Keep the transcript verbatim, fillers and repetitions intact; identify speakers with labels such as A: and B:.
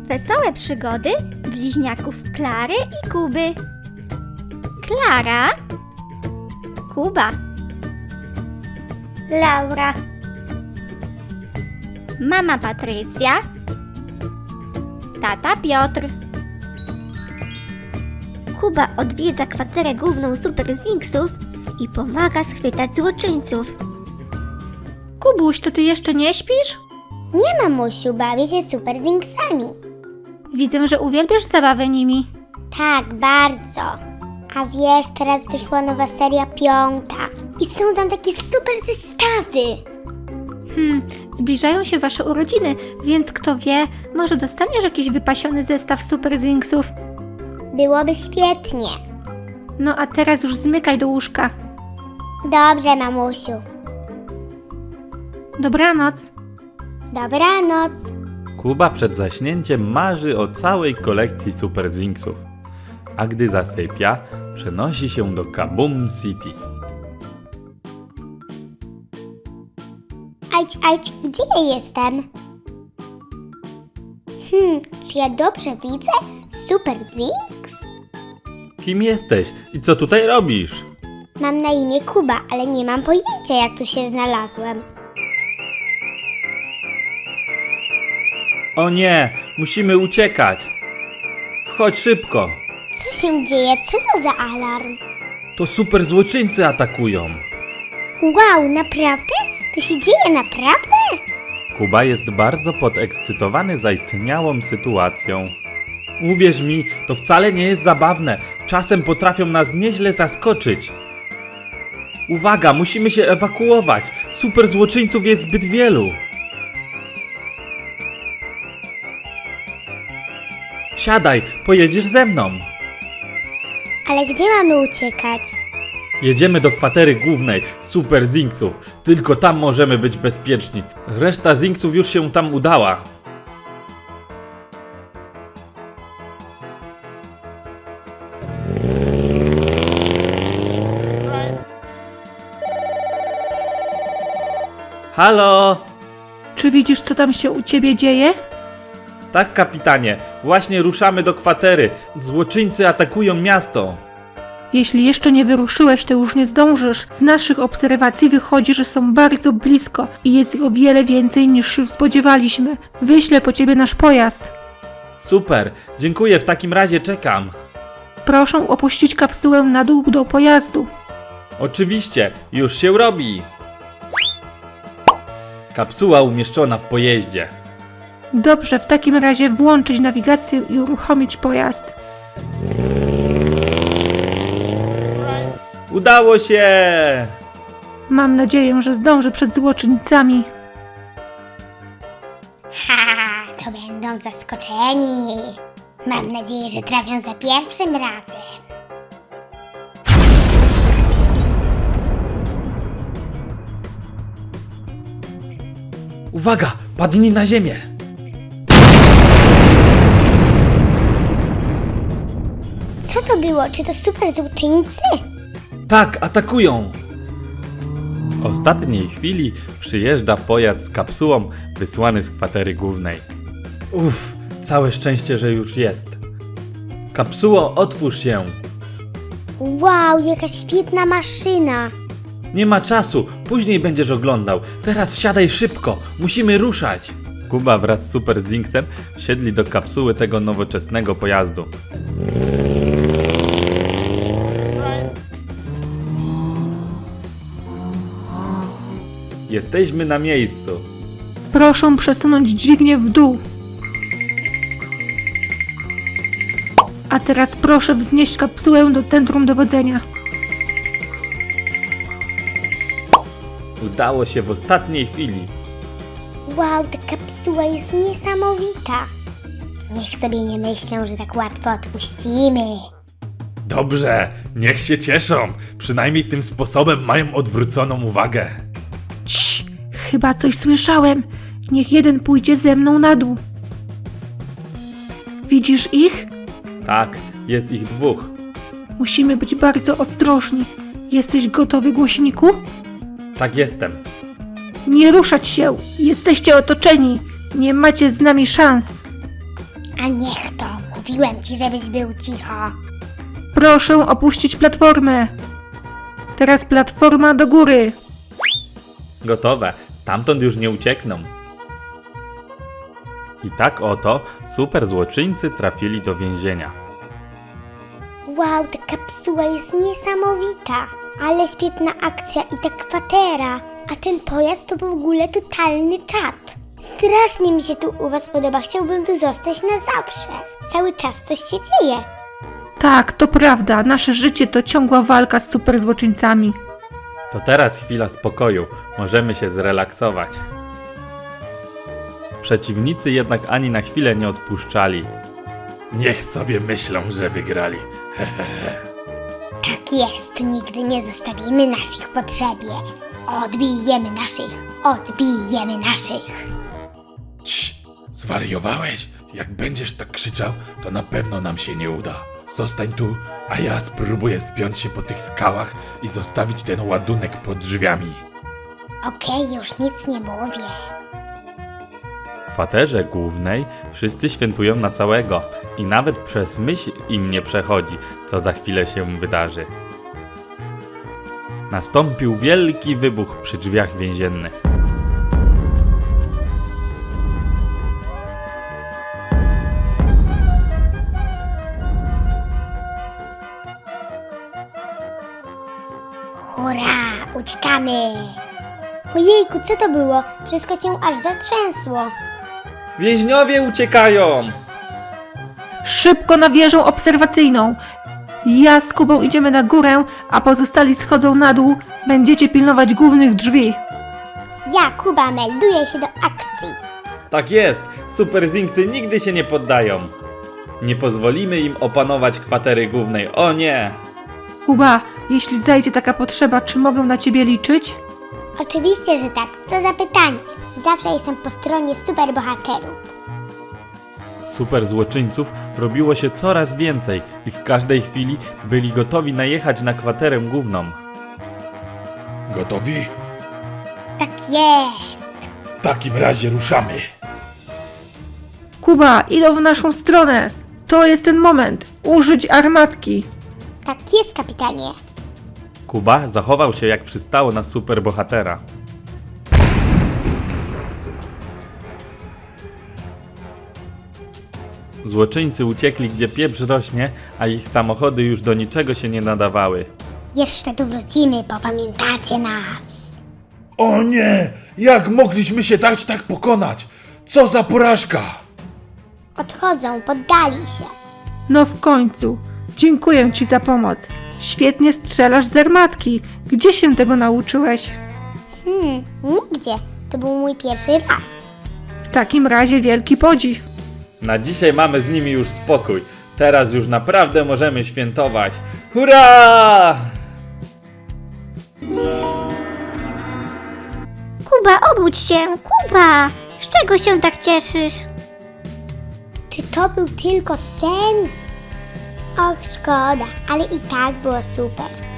A: Wesołe przygody bliźniaków Klary i Kuby. Klara, Kuba, Laura, mama Patrycja, tata Piotr. Kuba odwiedza kwaterę główną Super Zinksów i pomaga schwytać złoczyńców.
B: Kubuś, to ty jeszcze nie śpisz?
C: Nie, mamusiu, bawię się Super Zinksami.
B: Widzę, że uwielbiasz zabawę nimi.
C: Tak, bardzo. A wiesz, teraz wyszła nowa seria piąta i są tam takie super zestawy.
B: Hmm, zbliżają się wasze urodziny, więc kto wie, może dostaniesz jakiś wypasiony zestaw Super Zinksów.
C: Byłoby świetnie.
B: No a teraz już zmykaj do łóżka.
C: Dobrze, mamusiu.
B: Dobranoc.
C: Dobranoc.
D: Kuba przed zaśnięciem marzy o całej kolekcji Super Zinksów, a gdy zasypia, przenosi się do Kaboom City.
C: Ajdź, ajdź, gdzie ja jestem? Hmm, czy ja dobrze widzę? Super Zinks?
D: Kim jesteś i co tutaj robisz?
C: Mam na imię Kuba, ale nie mam pojęcia, jak tu się znalazłem.
D: O nie, musimy uciekać! Wchodź szybko!
C: Co się dzieje? Co to za alarm?
D: To super złoczyńcy atakują!
C: Wow, naprawdę? To się dzieje naprawdę?
D: Kuba jest bardzo podekscytowany zaistniałą sytuacją. Uwierz mi, to wcale nie jest zabawne. Czasem potrafią nas nieźle zaskoczyć. Uwaga, musimy się ewakuować. Super złoczyńców jest zbyt wielu. Wsiadaj, pojedziesz ze mną.
C: Ale gdzie mamy uciekać?
D: Jedziemy do kwatery głównej Super Zinksów. Tylko tam możemy być bezpieczni. Reszta Zinksów już się tam udała. Halo!
B: Czy widzisz, co tam się u ciebie dzieje?
D: Tak, kapitanie. Właśnie ruszamy do kwatery. Złoczyńcy atakują miasto.
B: Jeśli jeszcze nie wyruszyłeś, to już nie zdążysz. Z naszych obserwacji wychodzi, że są bardzo blisko i jest ich o wiele więcej niż się spodziewaliśmy. Wyślę po ciebie nasz pojazd.
D: Super, dziękuję, w takim razie czekam.
B: Proszę opuścić kapsułę na dół do pojazdu.
D: Oczywiście, już się robi. Kapsuła umieszczona w pojeździe.
B: Dobrze, w takim razie włączyć nawigację i uruchomić pojazd.
D: Udało się!
B: Mam nadzieję, że zdążę przed złoczyńcami.
C: Ha, to będą zaskoczeni. Mam nadzieję, że trafią za pierwszym razem.
D: Uwaga, padnij na ziemię!
C: Co to było? Czy to super złoczyńcy?
D: Tak, atakują! W ostatniej chwili przyjeżdża pojazd z kapsułą wysłany z kwatery głównej. Uff, całe szczęście, że już jest. Kapsuło, otwórz się!
C: Wow, jaka świetna maszyna.
D: Nie ma czasu, później będziesz oglądał. Teraz wsiadaj szybko, musimy ruszać. Kuba wraz z Super Zinksem wsiedli do kapsuły tego nowoczesnego pojazdu. Jesteśmy na miejscu.
B: Proszę przesunąć dźwignię w dół. A teraz proszę wznieść kapsułę do centrum dowodzenia.
D: Udało się w ostatniej chwili.
C: Wow, ta kapsuła jest niesamowita. Niech sobie nie myślą, że tak łatwo odpuścimy.
D: Dobrze, niech się cieszą. Przynajmniej tym sposobem mają odwróconą uwagę.
B: Cii, chyba coś słyszałem. Niech jeden pójdzie ze mną na dół. Widzisz ich?
D: Tak, jest ich dwóch.
B: Musimy być bardzo ostrożni. Jesteś gotowy, głośniku?
D: Tak jestem.
B: Nie ruszać się! Jesteście otoczeni! Nie macie z nami szans!
C: A niech to, mówiłem ci, żebyś był cicho.
B: Proszę opuścić platformę. Teraz platforma do góry.
D: Gotowe, stamtąd już nie uciekną. I tak oto super złoczyńcy trafili do więzienia.
C: Wow, ta kapsuła jest niesamowita. Ale świetna akcja i ta kwatera. A ten pojazd to w ogóle totalny czad. Strasznie mi się tu u was podoba. Chciałbym tu zostać na zawsze. Cały czas coś się dzieje.
B: Tak, to prawda. Nasze życie to ciągła walka z super złoczyńcami.
D: To teraz chwila spokoju, możemy się zrelaksować. Przeciwnicy jednak ani na chwilę nie odpuszczali. Niech sobie myślą, że wygrali.
C: Tak jest, nigdy nie zostawimy naszych potrzebie. Odbijemy naszych, odbijemy naszych.
E: Cii, zwariowałeś? Jak będziesz tak krzyczał, to na pewno nam się nie uda. Zostań tu, a ja spróbuję spiąć się po tych skałach i zostawić ten ładunek pod drzwiami.
C: Okej, już nic nie mówię.
D: W kwaterze głównej wszyscy świętują na całego i nawet przez myśl im nie przechodzi, co za chwilę się wydarzy. Nastąpił wielki wybuch przy drzwiach więziennych.
C: Hurra, uciekamy! Ojejku, co to było? Wszystko się aż zatrzęsło.
D: Więźniowie uciekają!
B: Szybko na wieżę obserwacyjną. Ja z Kubą idziemy na górę, a pozostali schodzą na dół. Będziecie pilnować głównych drzwi.
C: Ja, Kuba, melduję się do akcji.
D: Tak jest, super Zinksy nigdy się nie poddają. Nie pozwolimy im opanować kwatery głównej, o nie!
B: Kuba, jeśli zajdzie taka potrzeba, czy mogę na ciebie liczyć?
C: Oczywiście, że tak. Co za pytanie. Zawsze jestem po stronie superbohaterów.
D: Super złoczyńców robiło się coraz więcej i w każdej chwili byli gotowi najechać na kwaterę główną.
E: Gotowi?
C: Tak jest.
E: W takim razie ruszamy.
B: Kuba, idą w naszą stronę. To jest ten moment. Użyć armatki.
C: Tak jest, kapitanie.
D: Kuba zachował się jak przystało na superbohatera. Złoczyńcy uciekli gdzie pieprz rośnie, a ich samochody już do niczego się nie nadawały.
C: Jeszcze tu wrócimy, bo pamiętacie nas.
E: O nie! Jak mogliśmy się dać tak pokonać? Co za porażka!
C: Odchodzą, poddali się.
B: No w końcu. Dziękuję ci za pomoc. Świetnie strzelasz z armatki. Gdzie się tego nauczyłeś?
C: Hmm, nigdzie. To był mój pierwszy raz.
B: W takim razie wielki podziw.
D: Na dzisiaj mamy z nimi już spokój. Teraz już naprawdę możemy świętować. Hurra!
A: Kuba, obudź się! Kuba! Z czego się tak cieszysz?
C: Czy to był tylko sen? Och, szkoda, ale i tak było super.